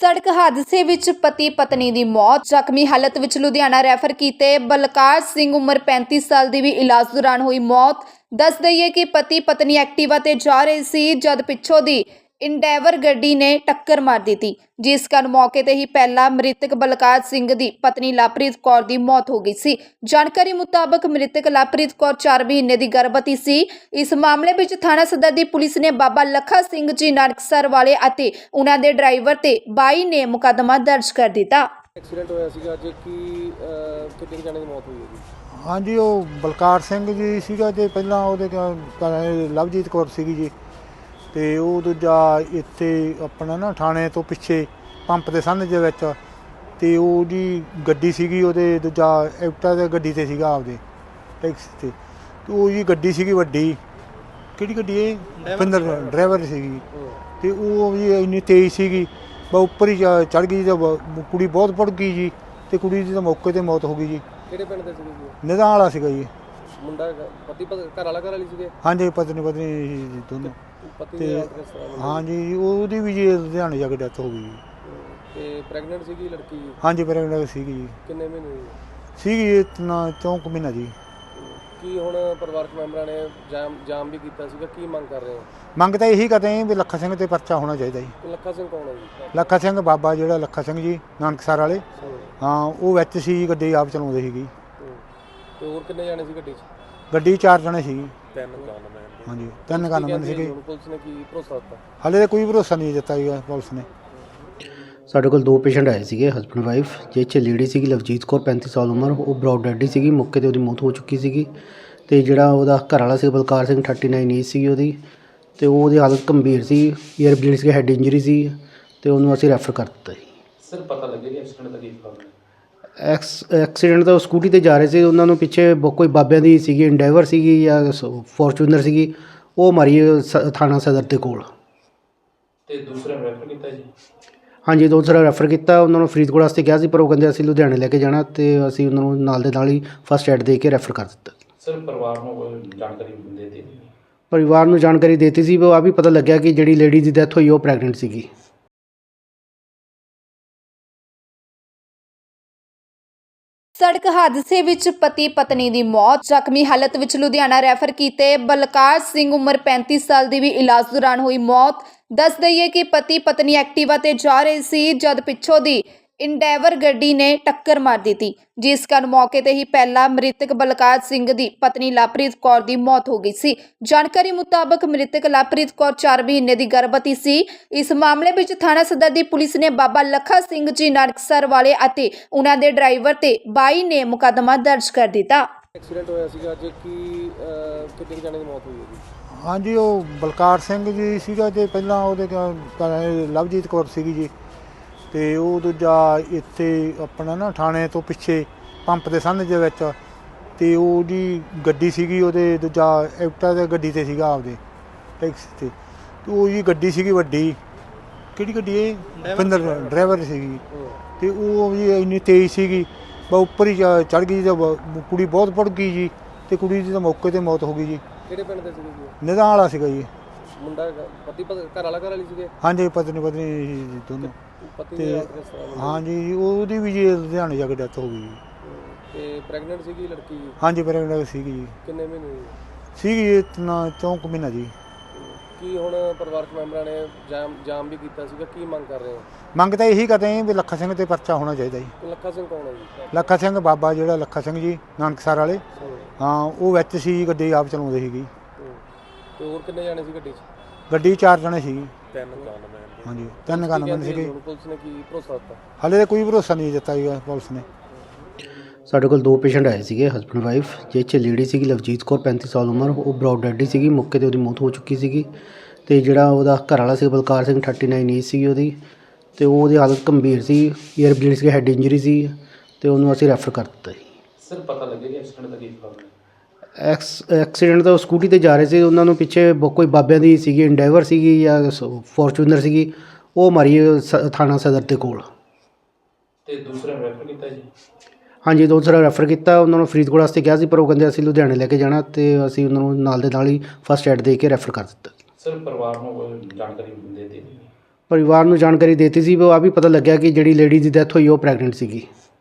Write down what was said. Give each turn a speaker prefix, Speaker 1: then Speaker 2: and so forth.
Speaker 1: ਸੜਕ ਹਾਦਸੇ ਵਿੱਚ ਪਤੀ ਪਤਨੀ ਦੀ ਮੌਤ। ਜ਼ਖਮੀ ਹਾਲਤ ਵਿੱਚ ਲੁਧਿਆਣਾ ਰੈਫਰ ਕੀਤੇ ਬਲਕਾਰ ਸਿੰਘ ਉਮਰ 35 ਸਾਲ ਦੀ ਵੀ ਇਲਾਜ ਦੌਰਾਨ ਹੋਈ ਮੌਤ। ਦੱਸ ਦਈਏ ਕਿ ਪਤੀ ਪਤਨੀ ਐਕਟਿਵਾ ਤੇ ਜਾ ਰਹੇ ਸੀ ਜਦ ਪਿੱਛੋਂ ਦੀ ਇੰਡੈਵਰ ਗੱਡੀ ਨੇ ਟੱਕਰ ਮਾਰ ਦਿੱਤੀ, ਜਿਸ ਕਾਰਨ ਮੌਕੇ ਤੇ ਹੀ ਪਹਿਲਾਂ ਮ੍ਰਿਤਕ ਬਲਕਾਰ ਸਿੰਘ ਦੀ ਪਤਨੀ ਲਵਪ੍ਰੀਤ ਕੌਰ ਦੀ ਮੌਤ ਹੋ ਗਈ ਸੀ। ਜਾਣਕਾਰੀ ਮੁਤਾਬਕ ਮ੍ਰਿਤਕ ਲਵਪ੍ਰੀਤ ਕੌਰ 4 ਮਹੀਨੇ ਦੀ ਗਰਭਵਤੀ ਸੀ। ਇਸ ਮਾਮਲੇ ਵਿੱਚ ਥਾਣਾ ਸਦਰ ਦੀ ਪੁਲਿਸ ਨੇ ਬਾਬਾ ਲੱਖਾ ਸਿੰਘ ਜੀ ਨਾਨਕਸਰ ਵਾਲੇ ਅਤੇ ਉਹਨਾਂ ਦੇ ਡਰਾਈਵਰ ਤੇ 22 ਨੇ ਮੁਕੱਦਮਾ ਦਰਜ ਕਰ ਦਿੱਤਾ।
Speaker 2: ਐਕਸੀਡੈਂਟ ਹੋਇਆ ਸੀਗਾ ਅੱਜ ਕਿੰਨੇ ਜਣੇ ਦੀ ਮੌਤ ਹੋਈ ਹੈ ਜੀ?
Speaker 3: ਹਾਂਜੀ, ਉਹ ਬਲਕਾਰ ਸਿੰਘ ਜੀ ਸੀਗਾ ਤੇ ਪਹਿਲਾਂ ਉਹਦੇ ਲਵਜੀਤ ਕੌਰ ਸੀਗੀ ਜੀ। ਤੇ ਉਹ ਦੂਜਾ ਇੱਥੇ ਆਪਣਾ ਨਾ ਥਾਣੇ ਤੋਂ ਪਿੱਛੇ ਪੰਪ ਦੇ ਸਾਹਮਣੇ ਦੇ ਵਿੱਚ ਤੇ ਉਹਦੀ ਗੱਡੀ ਸੀਗੀ, ਉਹਦੇ ਦੂਜਾ ਐਕਟਾ ਦੇ ਗੱਡੀ ਤੇ ਸੀਗਾ ਆਪਦੇ ਟੈਕਸੀ ਤੇ ਉਹ ਜੀ ਗੱਡੀ ਸੀਗੀ ਵੱਡੀ। ਕਿਹੜੀ ਗੱਡੀ ਇਹ ਡਰਾਈਵਰ ਸੀਗੀ ਤੇ ਉਹ ਜੀ ਇੰਨੀ ਤੇਜ਼ ਸੀਗੀ ਉੱਪਰ ਹੀ ਚੜ੍ਹ ਗਈ ਤੇ ਕੁੜੀ ਬਹੁਤ ਪੜ ਗਈ ਜੀ ਤੇ ਕੁੜੀ ਦੀ ਤਾਂ ਮੌਕੇ ਤੇ ਮੌਤ ਹੋ ਗਈ ਜੀ।
Speaker 2: ਕਿਹੜੇ ਪਿੰਡ ਦੇ ਸੀਗੇ ਜੀ?
Speaker 3: ਨਿਦਾਨ ਵਾਲਾ ਸੀਗਾ ਜੀ
Speaker 2: ਮੁੰਡਾ ਪਤੀ ਘਰ ਵਾਲੀ ਸੀਗੇ? ਜੀ
Speaker 3: ਪਤਨੀ ਦੋਨੋਂ
Speaker 2: ਪਤੀ
Speaker 3: ਤੇ
Speaker 2: ਦੀ
Speaker 3: ਹਾਂਜੀ ਉਹਦੀ ਵੀ ਜੀ ਲੁਧਿਆਣੇ ਜਾ ਕੇ ਡੈਥ ਹੋ ਗਈ।
Speaker 2: ਤੇ ਪ੍ਰੈਗਨੈਂਟ ਸੀਗੀ ਲੜਕੀ?
Speaker 3: ਹਾਂਜੀ ਪ੍ਰੈਗਨੈਂਟ ਸੀਗੀ ਜੀ।
Speaker 2: ਕਿੰਨੇ ਮਹੀਨੇ
Speaker 3: ਸੀਗੀ ਇਤਨਾ 4 ਮਹੀਨਾ ਜੀ।
Speaker 2: ਕੀ ਹੁਣ ਪਰਿਵਾਰਕ ਮੈਂਬਰਾਂ ਨੇ ਜਾਮ ਵੀ ਕੀਤਾ ਸੀਗਾ, ਕੀ ਮੰਗ ਕਰ ਰਹੇ ਹੋ?
Speaker 3: ਮੰਗ ਤਾਂ ਇਹੀ ਕਰਦੇ ਹਾਂ ਵੀ ਲੱਖਾ ਸਿੰਘ ਤੇ ਪਰਚਾ ਹੋਣਾ ਚਾਹੀਦਾ ਜੀ।
Speaker 2: ਲੱਖਾ ਸਿੰਘ ਕੌਣ ਹੈ ਜੀ?
Speaker 3: ਲੱਖਾ ਸਿੰਘ ਬਾਬਾ ਜਿਹੜਾ ਲੱਖਾ ਸਿੰਘ ਜੀ ਨਾਨਕਸਰ ਵਾਲੇ, ਹਾਂ ਉਹ ਵਿੱਚ ਸੀ, ਗੱਡੀ ਆਪ ਚਲਾਉਂਦੇ ਸੀਗੀ।
Speaker 2: ਤੇ ਹੋਰ ਕਿੰਨੇ ਜਾਣੇ ਸੀ ਗੱਡੀ 'ਚ?
Speaker 3: ਗੱਡੀ 4 ਜਣੇ ਸੀਗੀ।
Speaker 2: 3 ਗਨਮੈਨ?
Speaker 3: ਹਾਂਜੀ 3 ਗਨਮੈਨ ਸੀਗੇ।
Speaker 2: ਪੁਲਿਸ ਨੇ ਕੀ ਭਰੋਸਾ ਦਿੱਤਾ?
Speaker 3: ਹਾਲੇ ਤਾਂ ਕੋਈ ਭਰੋਸਾ ਨਹੀਂ ਦਿੱਤਾ ਜੀ ਪੁਲਿਸ ਨੇ।
Speaker 4: ਸਾਡੇ ਕੋਲ 2 ਪੇਸ਼ੈਂਟ ਆਏ ਸੀਗੇ, ਹਸਬੈਂਡ ਵਾਈਫ, ਜਿਸ 'ਚ ਲੇਡੀ ਸੀਗੀ ਲਵਜੀਤ ਕੌਰ 35 ਸਾਲ ਉਮਰ, ਉਹ ਬਰੌਡ ਡੈਡੀ ਸੀਗੀ, ਮੌਕੇ 'ਤੇ ਉਹਦੀ ਮੌਤ ਹੋ ਚੁੱਕੀ ਸੀਗੀ। ਤੇ ਜਿਹੜਾ ਉਹਦਾ ਘਰ ਵਾਲਾ ਸੀ ਬਲਕਾਰ ਸਿੰਘ 39 ਏਜ ਸੀਗੀ ਉਹਦੀ, ਤੇ ਉਹਦੀ ਹਾਲਤ ਗੰਭੀਰ ਸੀ, ਈਅਰ ਬਲੀਡ ਸੀ, ਹੈਡ ਇੰਜਰੀ ਸੀ ਤੇ ਉਹਨੂੰ ਅਸੀਂ ਰੈਫਰ ਕਰ ਦਿੱਤਾ ਜੀ।
Speaker 2: ਸਰ ਪਤਾ ਲੱਗੇਗਾ ਐਕਸੀਡੈਂਟ ਦਾ ਕੀ ਕਾਰਨ ਹੈ?
Speaker 4: ਐਕਸੀਡੈਂਟ ਤਾਂ ਉਹ ਸਕੂਟੀ ਤੇ ਜਾ ਰਹੇ ਸੀ, ਉਹਨਾਂ ਨੂੰ ਪਿੱਛੇ ਕੋਈ ਬਾਬਿਆਂ ਦੀ ਸੀਗੀ, ਇੰਡੈਵਰ ਸੀਗੀ ਜਾਂ ਫੋਰਚੂਨਰ ਸੀਗੀ, ਉਹ ਮਾਰੀ ਥਾਣਾ ਸਦਰ ਦੇ ਕੋਲ।
Speaker 2: ਤੇ ਦੂਸਰਾ ਰੈਫਰ ਕੀਤਾ ਜੀ?
Speaker 4: ਹਾਂਜੀ ਦੂਸਰਾ ਰੈਫਰ ਕੀਤਾ, ਉਹਨਾਂ ਨੂੰ ਫਰੀਦਕੋਟ ਵਾਸਤੇ ਕਿਹਾ ਸੀ ਪਰ ਉਹ ਕਹਿੰਦੇ ਅਸੀਂ ਲੁਧਿਆਣੇ ਲੈ ਕੇ ਜਾਣਾ, ਤੇ ਅਸੀਂ ਉਹਨਾਂ ਨੂੰ ਨਾਲ ਦੇ ਨਾਲ ਹੀ ਫਸਟ ਐਡ ਦੇ ਕੇ ਰੈਫਰ ਕਰ ਦਿੱਤਾ।
Speaker 2: ਸਰ ਪਰਿਵਾਰ ਨੂੰ ਕੋਈ ਜਾਣਕਾਰੀ ਦਿੱਤੀ?
Speaker 4: ਪਰਿਵਾਰ ਨੂੰ ਜਾਣਕਾਰੀ ਦਿੱਤੀ ਸੀ, ਉਹ ਆ ਵੀ ਪਤਾ ਲੱਗਿਆ ਕਿ ਜਿਹੜੀ ਲੇਡੀ ਦੀ ਡੈਥ ਹੋਈ ਉਹ ਪ੍ਰੈਗਨੈਂਟ ਸੀਗੀ।
Speaker 1: ਸੜਕ ਹਾਦਸੇ ਵਿੱਚ ਪਤੀ ਪਤਨੀ ਦੀ ਮੌਤ। ਜ਼ਖਮੀ ਹਾਲਤ ਵਿੱਚ ਲੁਧਿਆਣਾ ਰੈਫਰ ਕੀਤੇ ਬਲਕਾਰ ਸਿੰਘ ਉਮਰ 35 ਸਾਲ ਦੀ ਵੀ ਇਲਾਜ ਦੌਰਾਨ ਹੋਈ ਮੌਤ। ਦੱਸ ਦਈਏ ਕਿ ਪਤੀ ਪਤਨੀ ਐਕਟਿਵਾ ਤੇ ਜਾ ਰਹੇ ਸੀ ਜਦ ਪਿੱਛੋਂ ਦੀ ਇੰਡੈਵਰ ਗੱਡੀ ਨੇ ਟੱਕਰ ਮਾਰ ਦਿੱਤੀ, ਜਿਸ ਕਾਰਨ ਮੌਕੇ ਤੇ ਹੀ ਪਹਿਲਾਂ ਮ੍ਰਿਤਕ ਬਲਕਾਰ ਸਿੰਘ ਦੀ ਪਤਨੀ ਲਵਪ੍ਰੀਤ ਕੌਰ ਦੀ ਮੌਤ ਹੋ ਗਈ ਸੀ। ਜਾਣਕਾਰੀ ਮੁਤਾਬਕ ਮ੍ਰਿਤਕ ਲਵਪ੍ਰੀਤ ਕੌਰ 4 ਮਹੀਨੇ ਦੀ ਗਰਭਵਤੀ ਸੀ। ਇਸ ਮਾਮਲੇ ਵਿੱਚ ਥਾਣਾ ਸਦਰ ਦੀ ਪੁਲਿਸ ਨੇ ਬਾਬਾ ਲੱਖਾ ਸਿੰਘ ਜੀ ਨਾਨਕਸਰ ਵਾਲੇ ਅਤੇ ਉਹਨਾਂ ਦੇ ਡਰਾਈਵਰ ਤੇ 22 ਨੇ ਮੁਕੱਦਮਾ ਦਰਜ ਕਰ ਦਿੱਤਾ।
Speaker 2: ਐਕਸੀਡੈਂਟ ਹੋਇਆ ਸੀਗਾ ਅੱਜ ਕਿੰਨੇ ਜਣੇ ਦੀ ਮੌਤ ਹੋਈ ਹੈ ਜੀ?
Speaker 3: ਹਾਂਜੀ, ਉਹ ਬਲਕਾਰ ਸਿੰਘ ਜੀ ਸੀਗਾ ਤੇ ਪਹਿਲਾਂ ਉਹਦੇ ਲਵਜੀਤ ਕੌਰ ਸੀਗੀ ਜੀ। ਤੇ ਉਹ ਦੂਜਾ ਇੱਥੇ ਆਪਣਾ ਨਾ ਥਾਣੇ ਤੋਂ ਪਿੱਛੇ ਪੰਪ ਦੇ ਸਾਹਮਣੇ ਦੇ ਵਿੱਚ ਤੇ ਉਹਦੀ ਗੱਡੀ ਸੀਗੀ, ਉਹਦੇ ਦੂਜਾ ਐਕਟਾ ਦੇ ਗੱਡੀ ਤੇ ਸੀਗਾ ਆਪਦੇ ਟੈਕਸੀ ਤੇ ਉਹ ਜੀ ਗੱਡੀ ਸੀਗੀ ਵੱਡੀ। ਕਿਹੜੀ ਗੱਡੀ ਇਹ ਡਰਾਈਵਰ ਸੀਗੀ ਤੇ ਉਹ ਜੀ ਇੰਨੀ ਤੇਜ਼ ਸੀਗੀ ਉੱਪਰ ਹੀ ਚੜ੍ਹ ਗਈ ਤੇ ਕੁੜੀ ਬਹੁਤ ਪੜ ਗਈ ਜੀ ਤੇ ਕੁੜੀ ਦੀ ਤਾਂ ਮੌਕੇ ਤੇ ਮੌਤ ਹੋ ਗਈ ਜੀ।
Speaker 2: ਕਿਹੜੇ ਪਿੰਡ ਦੇ ਸੀਗੇ ਜੀ?
Speaker 3: ਨਿਦਾਨ ਵਾਲਾ ਸੀਗਾ ਜੀ।
Speaker 2: ਮੁੰਡਾ ਪਤੀ ਘਰ ਵਾਲੀ ਸੀਗੇ?
Speaker 3: ਹਾਂਜੀ ਪਤਨੀ ਦੋਨੋਂ।
Speaker 2: ਪਤੀ
Speaker 3: ਤੇ
Speaker 2: ਦੀ
Speaker 3: ਹਾਂਜੀ ਉਹਦੀ ਵੀ ਜੀ ਲੁਧਿਆਣੇ ਜਾ ਕੇ ਡੈਥ ਹੋ ਗਈ।
Speaker 2: ਤੇ ਪ੍ਰੈਗਨੈਂਟ ਸੀਗੀ ਲੜਕੀ?
Speaker 3: ਹਾਂਜੀ ਪ੍ਰੈਗਨੈਂਟ ਸੀਗੀ ਜੀ।
Speaker 2: ਕਿੰਨੇ ਮਹੀਨੇ
Speaker 3: ਸੀਗੀ ਇਤਨਾ 4 ਮਹੀਨਾ ਜੀ।
Speaker 2: ਕੀ ਹੁਣ ਪਰਿਵਾਰਕ ਮੈਂਬਰਾਂ ਨੇ ਜਾਮ ਵੀ ਕੀਤਾ ਸੀਗਾ, ਕੀ ਮੰਗ ਕਰ ਰਹੇ ਹੋ?
Speaker 3: ਮੰਗ ਤਾਂ ਇਹੀ ਕਰਦੇ ਹਾਂ ਵੀ ਲੱਖਾ ਸਿੰਘ ਤੇ ਪਰਚਾ ਹੋਣਾ ਚਾਹੀਦਾ ਜੀ।
Speaker 2: ਲੱਖਾ ਸਿੰਘ ਕੌਣ ਹੈ ਜੀ?
Speaker 3: ਲੱਖਾ ਸਿੰਘ ਬਾਬਾ ਜਿਹੜਾ ਲੱਖਾ ਸਿੰਘ ਜੀ ਨਾਨਕਸਰ ਵਾਲੇ, ਹਾਂ ਉਹ ਵਿੱਚ ਸੀ, ਗੱਡੀ ਆਪ ਚਲਾਉਂਦੇ ਸੀਗੀ।
Speaker 2: ਤੇ ਹੋਰ ਕਿੰਨੇ ਜਾਣੇ ਸੀ ਗੱਡੀ 'ਚ?
Speaker 3: ਗੱਡੀ 4 ਜਣੇ ਸੀਗੀ।
Speaker 2: 3 ਗਨਮੈਨ?
Speaker 3: ਹਾਂਜੀ 3 ਗਨਮੈਨ ਸੀਗੇ।
Speaker 2: ਪੁਲਿਸ ਨੇ ਕੀ ਭਰੋਸਾ ਦਿੱਤਾ?
Speaker 3: ਹਾਲੇ ਤਾਂ ਕੋਈ ਭਰੋਸਾ ਨਹੀਂ ਦਿੱਤਾ ਜੀ ਪੁਲਿਸ ਨੇ।
Speaker 4: ਸਾਡੇ ਕੋਲ 2 ਪੇਸ਼ੈਂਟ ਆਏ ਸੀਗੇ, ਹਸਬੈਂਡ ਵਾਈਫ, ਜਿਸ 'ਚ ਲੇਡੀ ਸੀਗੀ ਲਵਜੀਤ ਕੌਰ 35 ਸਾਲ ਉਮਰ, ਉਹ ਬਰੌਡ ਡੈਡੀ ਸੀਗੀ, ਮੌਕੇ 'ਤੇ ਉਹਦੀ ਮੌਤ ਹੋ ਚੁੱਕੀ ਸੀਗੀ। ਤੇ ਜਿਹੜਾ ਉਹਦਾ ਘਰ ਵਾਲਾ ਸੀ ਬਲਕਾਰ ਸਿੰਘ 39 ਏਜ ਸੀਗੀ ਉਹਦੀ, ਤੇ ਉਹਦੀ ਹਾਲਤ ਗੰਭੀਰ ਸੀ, ਈਅਰ ਬਲੀਡ ਸੀ, ਹੈਡ ਇੰਜਰੀ ਸੀ ਤੇ ਉਹਨੂੰ ਅਸੀਂ ਰੈਫਰ ਕਰ ਦਿੱਤਾ ਜੀ।
Speaker 2: ਸਰ ਪਤਾ ਲੱਗੇਗਾ ਐਕਸੀਡੈਂਟ ਦਾ ਕੀ ਕਾਰਨ ਹੈ?
Speaker 4: ਐਕਸੀਡੈਂਟ ਤਾਂ ਉਹ ਸਕੂਟੀ ਤੇ ਜਾ ਰਹੇ ਸੀ, ਉਹਨਾਂ ਨੂੰ ਪਿੱਛੇ ਕੋਈ ਬਾਬਿਆਂ ਦੀ ਸੀਗੀ, ਇੰਡੈਵਰ ਸੀਗੀ ਜਾਂ ਫੋਰਚੂਨਰ ਸੀਗੀ, ਉਹ ਮਾਰੀ ਥਾਣਾ ਸਦਰ ਦੇ ਕੋਲ।
Speaker 2: ਤੇ ਦੂਸਰਾ ਰੈਫਰ ਕੀਤਾ ਜੀ? ਹਾਂਜੀ
Speaker 4: ਦੂਸਰਾ ਰੈਫਰ ਕੀਤਾ, ਉਹਨਾਂ ਨੂੰ ਫਰੀਦਕੋਟ ਵਾਸਤੇ ਕਿਹਾ ਸੀ ਪਰ ਉਹ ਕਹਿੰਦੇ ਅਸੀਂ ਲੁਧਿਆਣੇ ਲੈ ਕੇ ਜਾਣਾ, ਤੇ ਅਸੀਂ ਉਹਨਾਂ ਨੂੰ ਨਾਲ ਦੇ ਨਾਲ ਹੀ ਫਸਟ ਐਡ ਦੇ ਕੇ ਰੈਫਰ ਕਰ ਦਿੱਤਾ।
Speaker 2: ਸਰ ਪਰਿਵਾਰ ਨੂੰ ਕੋਈ ਜਾਣਕਾਰੀ ਦਿੱਤੀ?
Speaker 4: ਪਰਿਵਾਰ ਨੂੰ ਜਾਣਕਾਰੀ ਦਿੱਤੀ ਸੀ, ਉਹ ਆ ਵੀ ਪਤਾ ਲੱਗਿਆ ਕਿ ਜਿਹੜੀ ਲੇਡੀ ਦੀ ਡੈਥ ਹੋਈ ਉਹ ਪ੍ਰੈਗਨੈਂਟ ਸੀਗੀ।